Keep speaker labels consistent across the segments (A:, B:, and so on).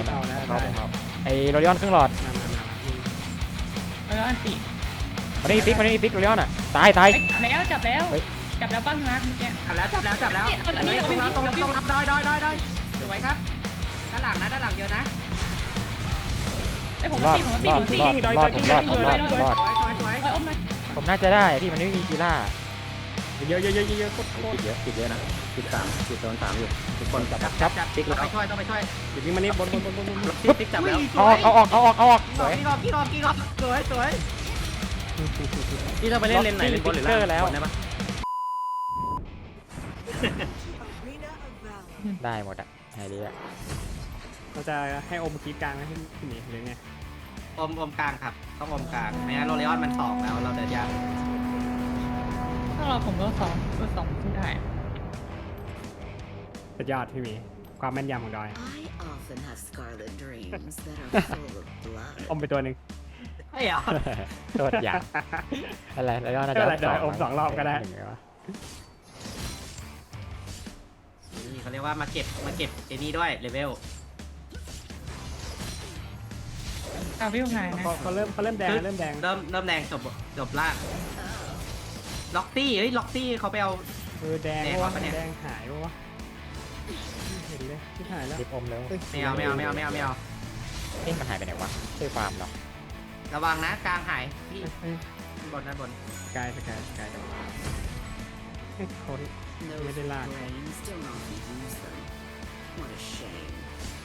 A: เอาแล้ว
B: เข้าไอ้โรลิออนครึ่งหลอด
C: แล้วอันติ
B: มันไม่มีฟิกโรลิออนอ่ะตาย
C: จับแล้วบ้างนะเมื่อกี้
D: จับแล้วตรงรับได้สวยครับด้านหลังนะด้านหลังเยอะนะ
C: ไอ้ผม
B: รอด
C: ตี
D: สวย
B: ผมน่าจะได้พี่มันไม่มีกีฬา
A: เยอะโคตร
E: ติดเยอะนะติด3ติดโดน3อยู่ทุกคนจับ
D: จับติ๊กแล้วไปช่วยต้องไปช่วย
A: เดี๋ยวนี้มันนี่บน
D: ติ๊กจับแล้ว
B: เอาออกสวย
D: กี่รอบสวย
E: ที่เราไปเล่นเลนไหนเลนบนหรือล่างได้ปะ
B: ได้หมดอ่ะไฮเดีย
A: เราจะให้อมคีกลางให้พี่หมีหรือไง
D: อมกลางครับต้องอมกลางไม่งั้นโรเลออนมัน2แล้วเราเดินยาก
C: ถ้าเราผมก็2ที่ได้
A: สุดยอดพี่หมีความแม่นยำของดอย
F: I often have scarlet dreams that are full of blood.
A: อมไปตัวหนึ่ง
D: ไอ้เหรอ
B: โทษอย่างอะไรโรลิออนน่าจะ
A: ได้อม2 รอบก็ได้
D: นี่เขาเรียกว่ามาเก็บไอ้นี่ด้วยเลเวล
C: เอาวิวไงนะ
A: เขาเริ่มแดง
D: เริ่มแดงจบล่างล็อกตี้เขาไปเอา
A: แดงวะแดงหายวะเห็นเลยที่หายแล้ว
B: รีบอมแล้ว
D: ไม่เอา
B: เอ๊ะมันหายไปไหนวะช่วยฟาร์มเหรอ
D: ระวังนะกลางหายพี่บนด้านบน
A: สกายเขา
F: Those
A: Really like.
F: brains don't often use them. What a shame.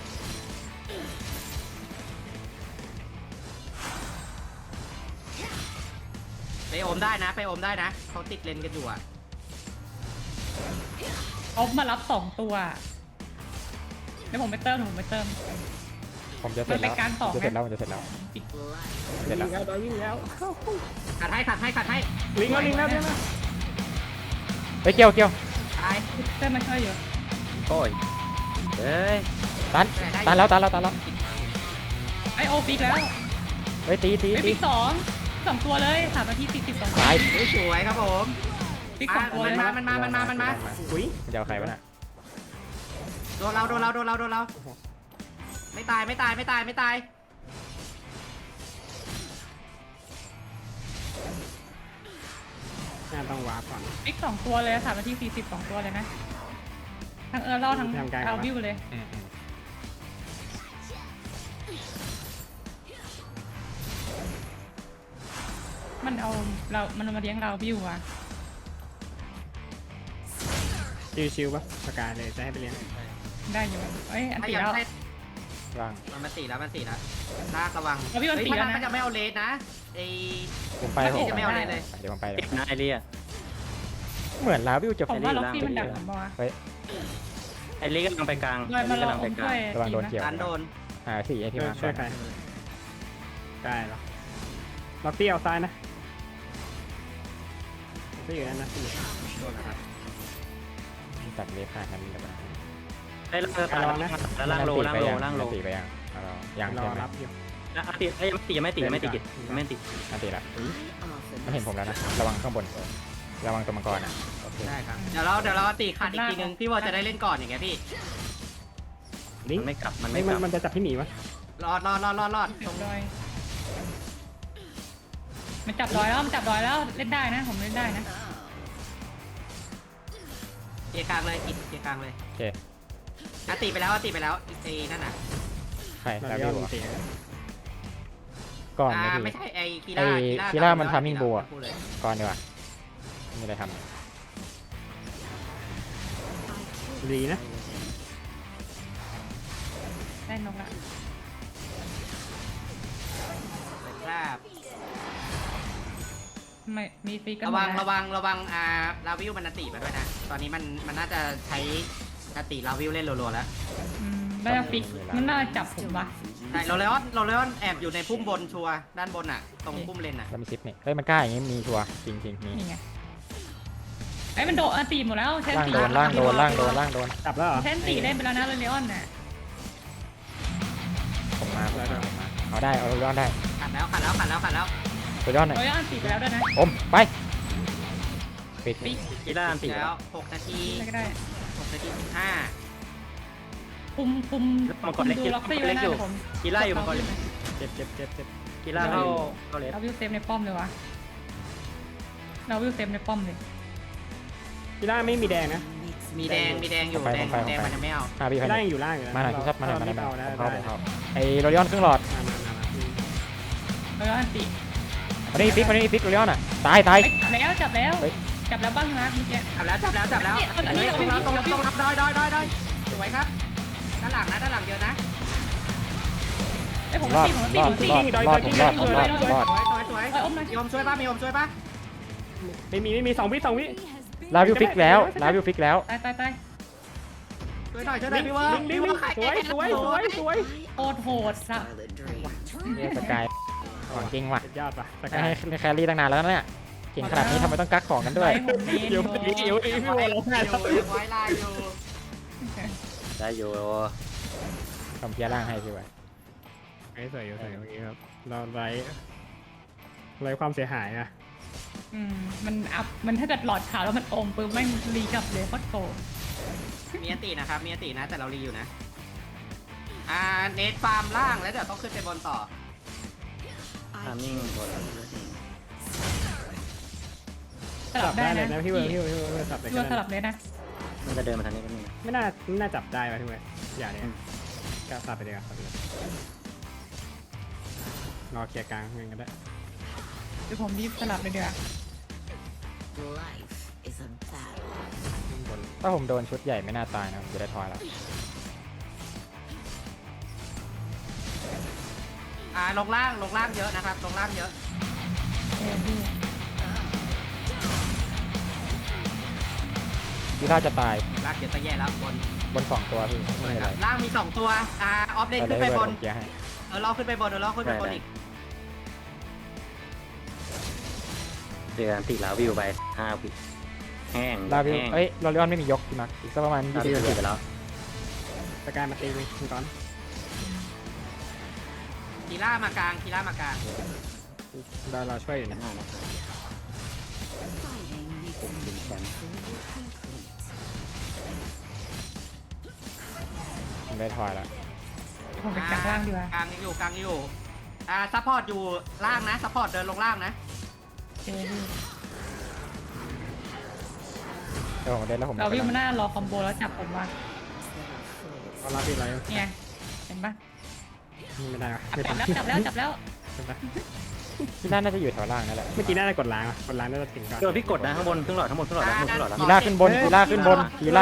D: ไปอมได้นะเขาติดเลนกันอยู่อ่ะ
C: เอามารับ2ตัวเดี๋ยวผมไปเติม
B: ผมจะเสร็จแล้วมันจะเสร็จแล้ว
F: Blood.
B: เสร็จแล้ว
A: วิ่งแล้ว
D: ขัดให้
A: ลิงแล้ว
B: ไปเกี่ยว
D: ตาย
C: เติมมาช่วยอยู่
E: โอ้ยเฮ้ย
B: ตันแล้ว
C: ไอโอฟิกแล้ว
B: เฮ้ยตี
C: ไอฟิก2ตัวเลย3 นาที42
B: ตาย
D: สวยครับผม
C: ฟิก2ตัวเลย
D: มันมา
A: อุ้ย
B: มันจะเอาใครวะน่ะ
D: โดนเราไม่ตาย
A: น่าต้องวาร์ปก่อน
C: ฟิก2ตัวเลย3 นาที42 ตัวเลยนะทั้งรอดทั้งเอาวิวเลยมันมาเลี้ยงเราวิวอ่ะ
A: ชิวๆปะสกายเลยจะให้ไปเลี้ยง
C: ได้อยู่เอ้ยอัน
D: ถ้า
C: ตี
D: อยาก
C: แล้ว
D: ให้
B: ว่าง
D: มัน4แล้วลากระวัง
C: เอาพี่มัน4แล้วนะ
D: มันจะไม่เอาเลสนะไอ
B: ผมไป
D: จะไม่เอาเลสเลย
B: เดี๋ยวผมไป
E: ติดนะไอเรีย
B: เหมือนลาวิวจะ
C: ผมว่าล็อกซี่มันดักผมบอกว่า
E: ไอเรียกำลังไปกลาง
C: เลยมาลอง
E: ไปกลาง
C: ช่วย
B: ระวังโดนเกี่ยว
D: การโดน
B: 4ไอที่มา
A: ช่วยใครได้หรอล็อกตี้เอาซ้ายนะก็อยู่นั่นนะพี่โดนนะครับ
B: ตัดเล็บขาดนั้นเดี๋ยวมัน
E: ไอล่างตายแล้วล่างโล
B: ตีไปยัง
A: รอ
B: ใช่ไหม
A: รับอยู่
E: ยังไม่ติด
B: อันตีละ
F: I often
B: ไม่เห็นผมแล้วนะระวังข้างบนระวังตัวมังกรอ่ะโอเค
D: ได้ครับเดี๋ยวเราตีขาดอีกทีนึงพี่วอจะได้เล่นก่อนอย่างเงี้ยพี่
A: ลิง
E: มันไม่กลับมัน
A: ไม่
E: ไม่กลับ
A: มันจะจับพี่หมีวะ
D: รอด
C: จับดอยมันจับดอยแล้วเล่นได้นะผมเล่นได้นะ
D: เกียร์กลางเลยเกียร์กลางเลย
B: โอเค
D: ตีไปแล้วไอ้นั่นน่ะ
B: ใคร
A: เรา
B: ลา
A: เรีย
B: วิ
A: ก
B: ว
A: ตี
B: ก่อน
D: ไม่ใช่ไอ้คี
B: ไอ้
D: ร่า
B: คีร่ามันทำมิ่งบัว ก่อนดีกว่ามีอะไรท
A: ดีนะ
C: ได้นกละ
D: ครับ
C: ไม่มีฟิกกัน
D: ระวังลาวิวมันตีมาด้วยนะตอนนี้มันน่าจะใช้ตีลาวิวเล่นรัวๆแล้ว
C: ได้ฟิกมันน่าจับผมปะ
D: ใช่เราเลออนแอบอยู่ในพุ่มบนชัวด้านบนอ่ะตรงพุ่มเลนอ่ะ
B: ำแล้วมีซิปนี่เฮ้ยมันกล้าอย่างงี้มีชัวร์จริงมี
C: นี่ไงไอ้มันโดนตีหมดแล้วเชน
B: ล่าง
C: ตี
B: โดนล่างโดน
A: จับแล้วเหรอ
C: เชนตีเล่นไปแล้วนะเลออนน่ะ
B: ผมมาเอาได้เอาย้อนได้
D: ขัดแล้ว
B: ตัวย้อนหน่อย
C: เลออนตีไปแล้วด้วยนะ
B: อมไปปิด
C: ฟิก
E: กีฬาติด
D: แล้ว6 นาที
C: อะไรก็ได้
D: 6 นาที 15
C: คุม
E: มังกรเล็ก
C: ดู
E: อยู่
C: ล็อกซี่
E: มังกร
C: ไว้
E: เล็ก
C: นะ
E: อยู่
C: ผม
E: กีล่าอยู่มังกรเล็ก
A: เจ็บเจ็บเจ็บเจ็บ
E: กีล่าเข้าเลส
C: เราวิวเซฟในป้อมเลยวะเราวิวเซฟในป้อมเลย
A: กีฬาไม่มีแดงนะ
D: มีแดงอยู่แดงมันจะไม่เอา
B: 5 วิ
A: กี
B: ภาย
A: ฬา
B: ใน
A: ยังอยู่ล่างอยู่นะ
B: มาหน่อยพี่ครับมาหน่อยมาหน่อย
A: เได้
B: ผม
A: ได้
B: เข้าไอ้โรลิออนครึ่งหลอด
C: แล้วก็อันติ
B: อันนี้ฟิกโรลิออนอ่ะตาย
C: เอ้ยจับแล้ว
B: เฮ้ย
C: จับแล้วบ้างนะเมื่อกี้
D: จับแล้วตรงรับดอยสวยครับด้านหลังเยอะนะ
C: ไอ้ยผม
B: รอด
C: ตีผม
B: ร
C: ตี
B: อด
C: ผมตี
B: ผมรอด
D: สวย
C: เอ้ยอมหน่อย
D: ยอมช่วยป่ะมีอมช่วยป่ะ
A: ไม่มี2 วิ
B: ลาวิวฟิกแล้วลาวิวฟิกแล้ว
C: ตาย
D: ช่วยหน่อยพี่เวิร์
A: วิ่งสวย
C: โคตรโหดสัส
F: Scarlet dreams.
B: เนี่ยสกายของจริงว่ะ
A: สุดยอดป่ะส
B: ให้
A: กาย
B: ให้แครี่ตั้งนานแล้วนะเนี่ยเก่งขนาดนี้ทำไมต้องกักของกันด้วย
C: ไปผมเน้น
A: เดี๋ยวพี่โอร้องไห้แล้ว
D: ไว้ลายอยู่
E: ได้อยู่
B: ทำเพียร์ล่างให้พี่ไว้
A: สวยอยู่เมื่อกี้ครับเราไร้ความเสียหายนะ
C: มันถ้าเกิดหลอดขาวแล้วมันอมปุ๊บแม่งรีกลับเลยโคตรโกรธ
D: มีอตินะครับมีอตินะแต่เรารีอยู่นะเนทฟาร์มล่างแล้วเดี๋ยวต้องขึ้นไปบนต่อ
E: ทามมิ่งบน
C: สลับได้
A: เลย
C: นะ
A: นะพี่เวิร์ดสับเลย
C: พี่ว่าสลับเลยนะ
E: มันจะเดินมาทางนี้ก็มี
A: ไม่น่าจับได้ป่ะพี่เวิร์ดอย่าเนี่ยก็สับไปเลยครับรอเคลียร์กลางเงินก็ได้
C: เดี๋ยวผมรีบสลับเลยเดี๋ยวา
F: Life is a battle.
B: ถ้าผมโดนชุดใหญ่ไม่น่าตายนะผมจะได้ทอยแล้ว
D: ลงล่างเยอะนะครับลงล่างเยอะ
C: พี่
B: พี่ถ้าจะตาย
D: ล่างเยอะจะแย่แล้วบน
B: 2 ตัวพี่ไม่เป็นไร
D: ล่างมี2ตัวออฟเลน
B: แต่
D: ขึ้น
B: ได้
D: ไป
B: เว
D: บ
B: อ
D: น
B: ร์ผมเกียร์ให้
D: เราขึ้นไปบนอีก
E: เจอกันติลาวิวไป5 วิแห้ง
B: ลาวิว
E: แห้ง
B: เอ้ยโรลิออนไม่มียกพี่มักอีกสักประมาณ
E: ลาวิว
B: 20
E: ติดไปแล้ว
A: สกายมาตีเลยคุณก้อน
D: คีล่ามากลาง
A: เราช่วยอยู่นะ
F: Fighting makes me complete.
B: ผมได้ทอยแล้ว
C: ผมไปกลางล่างดีกว่าก
D: ลางอยู่ซัพพอร์ตอยู่ล่างนะซัพพอร์ตเดินลงล่างนะ
C: เจอพี่
B: เดี๋ยวผมเล่นแล้วผม
C: เราวิ่งมาหน้ารอคอมโบแล้วจับผมว่า
A: เอารับอีกไร
C: เนี่ยเห็นปะ
A: ไม่ได้
C: จับแล้ว
B: พี่น่าจะอยู่แถวล่างนั่นแหละ
A: เมื่อกี้น่าจะกดล้างน่าจะถึงก่อน
E: เจอพี่กดนะข้างบนครึ่งหลอดแล้ว
B: กีฬาขึ้นบนกีฬาขึ้นบน
E: เห็น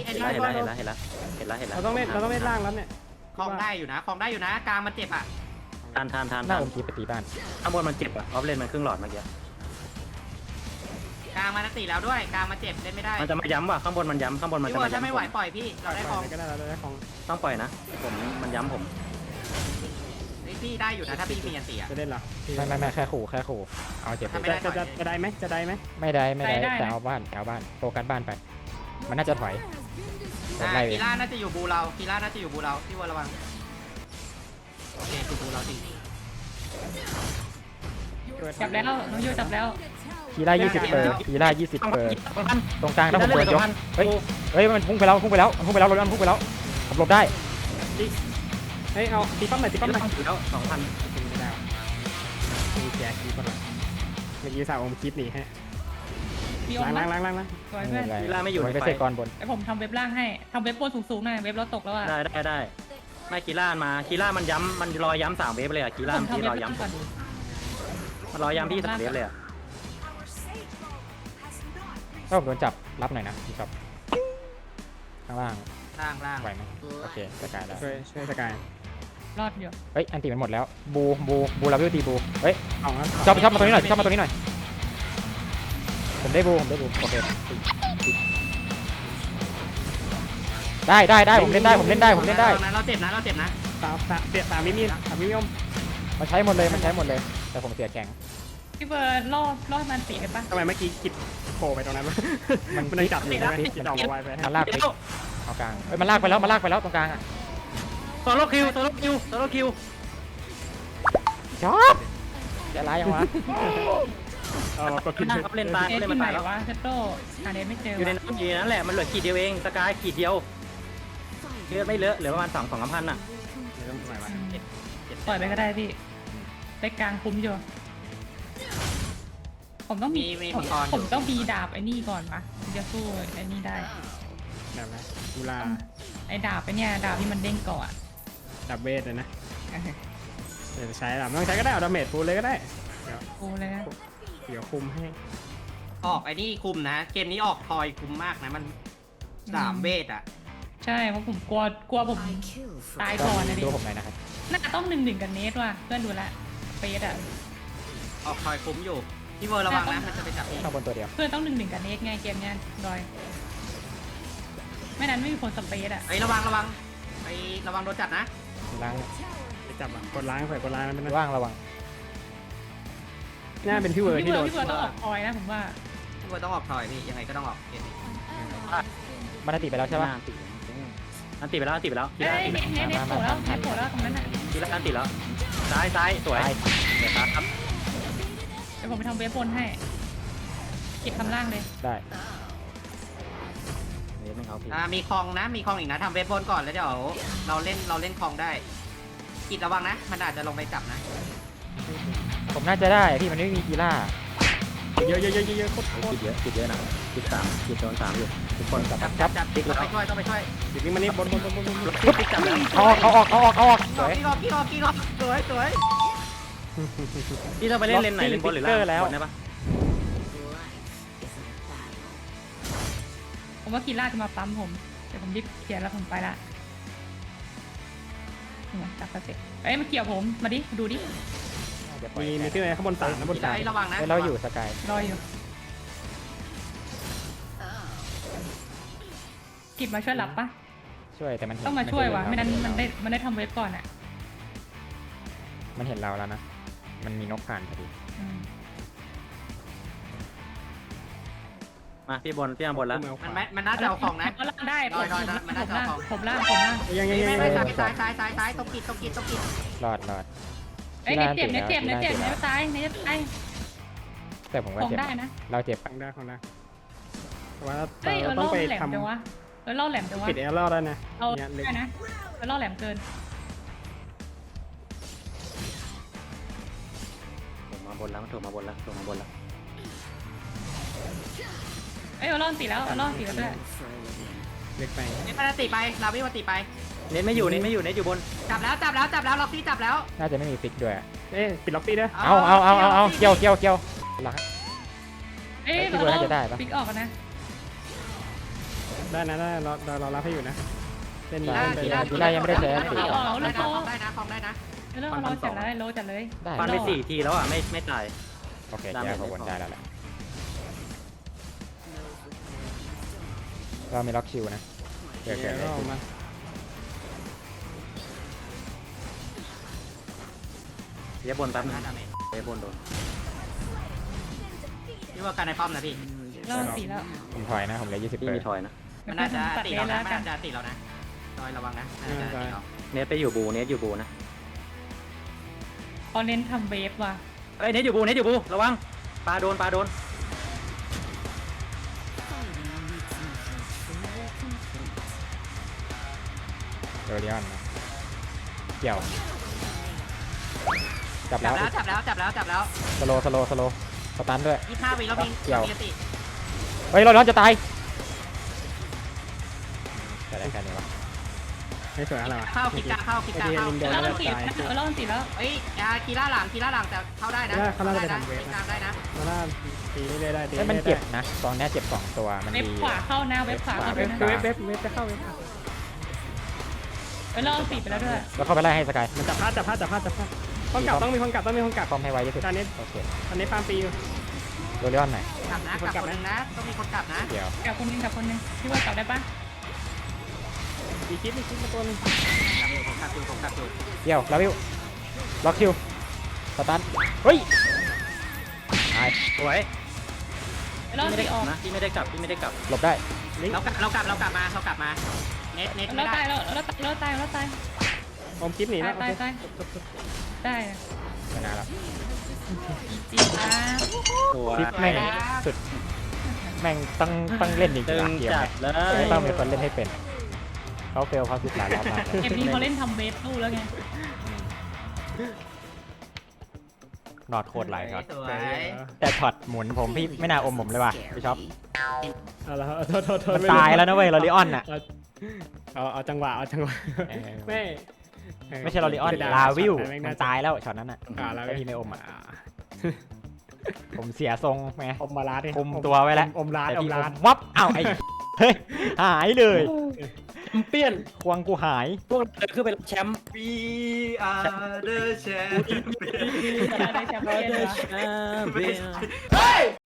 E: แล้ว
A: เราต้องเล่นล่างแล้วเนี่ย
D: คลองได้อยู่นะกลางมันเจ็บอ่ะ
E: ทาน
B: หน้าผมทีไปตีบ้าน
E: ข้างบนมันเจ็บอ่ะออฟเลนมันครึ่งหลอดเมื่อกี้
D: กลางมันติแล้วด้วยกลางมันเจ็บเล่นไม่ได้
E: มันจะมาย้ำว่ะข้างบนมันย้ำข้างบนมัน
D: พี่
E: จะ
D: เวิ
E: มา
D: ร์ดถ้าไม่ไหว
E: ย้ำ
D: ปล่อยพี่เราได้คลอง
A: ก็ได้เราได้ของ
E: ต้องปล่อยนะผมมันย้ำผม
D: พี่ได้อยู่นะถ้าพี่มีอันตีอ่ะ
A: จะเล่นหรอ
B: ไม่แค่ขู่เอาเจ็บไป
A: จะได้ไหม
B: ไม่ได้แต่เอาบ้านโฟกัสบ้านไป มันน่าจะถอยไล่ไป
D: คีล่าน่าจะอยู่บูเราพี่เวิร์ดระวังโอเคคือบูเราจริง
C: จับแล้วน้องยูจับแล้ว
B: กีฬา20 เปอร์ตรงกลางถ้าผมโดนยกเฮ้ยมันพุ่งไปแล้วโรลิออนพุ่งไปแล้วผมหลบได้
A: เฮ้ยเอาตีป้อมหน่อย
E: แล้ว2,000
A: ไม่ได้มีแจกคีบก่อนเมื่อกี้สาวอมคลิปหนีให้
C: พี่อม
A: ล้าง
C: สวยเพื่อน
E: กีฬาไม่อยู่ใน
B: ไป
E: ไฟ
B: เซกอนบน
C: ไอผมทำเว็บล่างให้ทำเว็บบนสูงๆหน่อยเว็บเราตกแล้วอ่ะ
E: ได้ไม่กีฬามากีฬามันย้ำมันรอย้ำ3 เวฟเลยอ่ะกีฬา
C: ผม
E: ที่
C: ทำเว็บ
E: รอ
C: ล่าง
E: ย้ำ
C: ก่อน
E: มันรอย้ำที่3 เวฟเลยอ่ะ
B: ถ้าผมโดนจับรับหน่อยนะพี่ครับข้างล่าง
D: ล่าง
B: ไหวไหมโอเคสกายแล้ว
A: ช่วยสกาย
C: รอดอยู่
B: เฮ้ยอันติมันหมดแล้วบูลาวิวตีบูเฮ้ย
A: เอาครับ
B: ชอบมาตรงนี้หน่อยผมได้บูโอเคได้ผมเล่นได้
D: เราเจ็บนะ
A: สามมิมิอม
B: มันใช้หมดเลยแต่ผมเสียแข็ง
C: พี่เบิร์ดรอดมันตีได้ปะ
A: ทำไมเมื่อกี้กิดโผล่ไปตรงนั้นมันจับอยู่ใช่ไหมกิดออกมาไวไป
B: มันลากไปเอากลางเอ้ยมันลากไปแล้วตรงกลางอ่ะ
E: โซโลคิว
B: ชอบจะร้ายยังวะ
A: ก็ขึ้น
E: เล่นตาย
C: เอส
E: เล่น
C: ที่
E: มัน
C: ไหน
E: ตายแล้ว
C: วะเซตโต้หาเดนไม่เจอ
E: อยู่ในนั้นอยู่นั้นแหละมันเหลือขีดเดียวเองสกายขีดเดียว
F: Fighting
E: เลือดไม่เลอะเหลือประมาณ2,000อ่ะ
A: ไม่ต้องปล่อยวะ
C: ปล่อยไปก็ได้พี่ไปกลางคุ้มอยู่ผมต้องมี
D: มีมังกร
C: ผมต้องมีดาบไอ้นี่ก่อนปะถึงจะสู้ไอ้นี่ได้
A: แบบนะกุลา
C: ไอ้ดาบไอ้เนี่ยดาบที่มันเด้งก่อน
A: ดับเบสเลยนะเดี๋ยวใช้ดับไม่ต้องใช้ก็ได้เอาดาเมจฟูลเลยก็ได้เดี๋ยว
C: โอ้เลยนะ
A: เดี๋ยวคุมให้
D: ออกไอ้นี่คุมนะ เกมนี้ออกทอยคุมมากนะมัน3เวทอ่ะ
C: ใช่เพราะผมกลัวผม
F: I kill for
C: ตายก่อนนะดิ
B: ดูผมหน่อยนะครับ
C: น่าจะต้อง1-1กับเนสว่ะเพื่อนดูแลเฟสอ่ะ
D: ออกทอยคุมอยู่พี่เวอร์ระวังนะมันจะไปจับพี่
B: ข้างบนตัวเดียว
C: เพื่อนต้อง1-1กับเนสไงเกมเนี้ยดอยไม่นั้นไม่มีคนสเปซอ่ะ
D: ไอ้ยระวังไอ้ระวังโดนจับนะ
B: ล้าง
A: ไปจับอ่ะกดล้างใส่กดล้างนั่นเป็น
B: ว่างระวัง
A: น่าเป็นพี่เวอร์
C: พี่
A: ที่
C: เบิ
A: โด
C: ร์
A: น
C: พี่เบิร์ต้องออกคอยนะผมว่า
D: พี่เวอร์ต้องออกทอยพี่ยังไงก็ต้องออกเกมนี้
B: มันติไปแล้วใช่ปะ
E: อันติไปแล้วอันติไปแล้ว
C: เอ้ยเนสโผล่แล้วเนสโผล่แล้วตรงนั้นอ่ะ
E: ทีละอันติแล้วซ้ายสวยเดี๋ยวครับ
C: เดี๋ยวผมไปทำเวฟบนให้เก็บทำล่างเลย
B: ได้
E: เดี๋ยวไม่เอาพี่
D: มีคลองนะมีคลองอีกนะทำเวทบนก่อนแล้วเดี๋ยวเราเล่นคลองได้กิดระวังนะมันอาจจะลงไปจับนะ
B: ผมน่าจะได้พี่มันไม่มีกีฬา
A: เยอะโคตร
E: คิดเยอะนะคิด3คิดโดน3อยู่ทุกคนกับ
D: จับต้องไปช่วยต้องไปช่วย
A: เดี๋ยวนี้มันนี่บน
E: คิดจับแล้ว
B: เอาออกสวย
D: กี่รอบสวย
E: พี่ต้องไปเล่นเลนไหนเลนบนหรือล่างบนได้ปะ
C: ผมว่ากีล่าจะมาปั๊มผมเดี๋ยวผมรีบเคลียร์แล้วผมไปละจับกระเซ็เอ้ยมันเกี่ยวผมมาดิดูดิ
A: มีที่ไหนข้างบน3นะบน
D: ไอ้ระวังนะ
B: เราอยู่สกาย
C: รออยู่กิบมาช่วยหลับปะ
B: ช่วยแต่มันเห็น
C: ต้องมาช่วยว่ะไม่นั้นมันได้ทำเวฟก่อนอ่ะ
B: มันเห็นเราแล้วนะ มันมีนกผ่านพอดี
C: อืม
E: มาพี่บนพี่บนแล้ว
D: มันน่าจะเอาของนะ
C: ก็ล่างได้ผม
D: รอมันน่าจะเอาของ
C: ผมล่าง
A: ยัง
D: ไม่ซ้ายตรงกิด
B: รอด
C: เอ้ยเนเจ็บเนเจ็บตายเนตาย
B: แต่ผมว่า
C: ของ
B: เจ็บ
C: ได้นะ
B: เราเจ็บ
A: ฟังได้ของได้แต่ว่า
C: เฮ้ย
A: เราต้องไป
C: แหลม
A: ทำ
C: จังวะล่อแหลมจังวะ
A: ปิดแอร์ล่อได้นะ
C: เอา
A: เนี่ยเล็ก
C: ได้นะล่อแหลมเกิน
E: ถูกมาบนแล้ว
C: เอ้ยล่อสีแล้วล่อสีแล้วด้วย
F: for a living.
A: เล็กไป
D: นี่มันติไปลาวิวติไป
E: เน้นไม่อยู่เน้นอยู่บน
D: จับแล้วล็อกที่จับแล้ว
B: น่าจะไม่มีฟิกด้วย
A: ปิดล็อกปี้ด้วย
B: เอาเกี่ยวลัก
C: เอ้ย
B: พี่เบิร์ดน่าจะได้ปะ
C: ปิกออกกันนะ
A: ได้นะได้เรารับให้อยู่นะเล่น
B: กีฬายังไม่ได้ใช้
D: ได้นะคลองได้นะ
C: เริ่มเราจัดเลยโลจัดเลย
B: ได้
E: ฟันไป4ทีแล้วอ่ะไม่ตาย
B: โอเคแก้ขบวนได้แล้วแหละเรามีล็อกคิวนะเกิด
A: ก็ออกมา
E: เดี๋ยวบนแป๊บนึงเดี๋ยวบนโดน
D: นี่ว่าการในป้อมนะพี่
C: ล่อสีแล้ว
B: ผมถอยนะผมเหลือ20
E: พี่
B: เปอ
E: มี
B: ร์
E: ทอยนะ
D: มันน่าจะ
C: ตัด
D: ติ
C: เล
D: เรา
C: น
D: นะ
C: แล้ว
D: มัน
C: กัน
D: น่าจะติเรานะดอยระวังนะน่าจะติเรา
E: เนสไปอยู่บูนะ
C: พอเน้นทำเวฟว่ะ
E: เอ้ยเนสอยู่บูระวังปลาโดน
B: โดเรียนนะเกี่ยวจับ
D: จั
B: แล้
D: บ
B: ว
D: แล้ว
B: สโลสตันด้วย
D: 25วิแล้วมีติ
B: เฮ้ยเราร้อนจะตายแต่ได้แค่นี้วะ
A: ไม่สวยอะไรวะ
D: เข้าคิดกาเข้า
C: ล่อสีล่อสีแล้ว
D: เอ้ยคีล่าหลังแต่เข้าได้นะได้นะ
A: มาล่าตีได้ได้ตี
B: เฮ้ยมันเจ็บนะตอนนี้เจ็บ2ตัวมัน
C: เว็บ
B: ดี
C: ขวาเข้าหน้าเว็บขวาเข้า
A: เว็
C: ด้วย
A: บ
C: นะ
A: เว็บจะเข้าเว็บ
C: ล่อสีไปแล้วด้วย
B: แล้วเข้าไปไล่ให้สกาย
A: มันจับพลาดต้องมีคนกลับต้องมีคนกลับ
B: คอมให้ไวที่สุด
A: ตอนนี้
B: โอเค
A: ฟาร์มปีอยู่
B: โดเรียนไหน
D: กลับคนนึงนะต้องมีคนกลับนะ
B: เดี๋ยว
C: กับคนนึงพี่ว่ากลับได้ปะ
A: มีคิดมาตัวนึง
D: ผมกลับอยู่
B: เดี๋ยวลาวิวล็อกคิวสตันเฮ้ยตาย
E: สวย
C: ล่อ
E: ไม่
C: สี
E: ได้
C: ออก
E: นะพี่ไม่ได้กลับ
B: หลบได้
D: เรากลับมาเน็ต
C: แล้ว
D: ไม่
C: ตา
D: ได้
C: ยแล้วตาย
A: อมคลิปหนีแล้ว
C: ตายได้
B: ไม่น่าแล้ว
C: จีจ้า
E: สวย
B: ฟิกแม่งสุดแม่งต้องเล่นจริง
E: ตึ
B: ๆ
E: ง
B: เกม
E: จั
B: เนี่
E: ด
B: ย
E: เลย
B: ต้องมีคนเล่นให้เป็นเขาเฟลเขาสิบหลายรอบมาก
C: เกมนี้เขาเล่นทำเบสตู้แล้วไง
B: นอดโคตรหลายช็อต
D: สวย
B: แต่ช็อตหมุนผมพี่ไม่น่าอมผมเลยว่ะพี่ช็อป
A: เอาละโทษ
B: มันตายแล้วนะเว้ยลอริออนน่ะ
A: เอาจังหวะไม่
B: ไม่ใช่ลอริออนลาวิวมันตายแล้วช็อตนั้นน่ะ
A: แล้ว
B: ถ้าพี่ไม่อมอ่ะผมเสียทรงไง
A: อมมาลาด
B: คุมตัวไว้แล้ว
A: อมลาด
B: แต่
A: อม
B: พี่
A: ลาด
B: วับอ้าวไอ้เฮ้ยหายเลย
E: แชมเปี้ยน
B: ควงกูหาย
E: พวกเราเดินขึ้นไปแชมป์
D: We are the champions
C: อะไรแชมเปี้ยนวะ
E: แชมเปี้ยน
D: เฮ้ย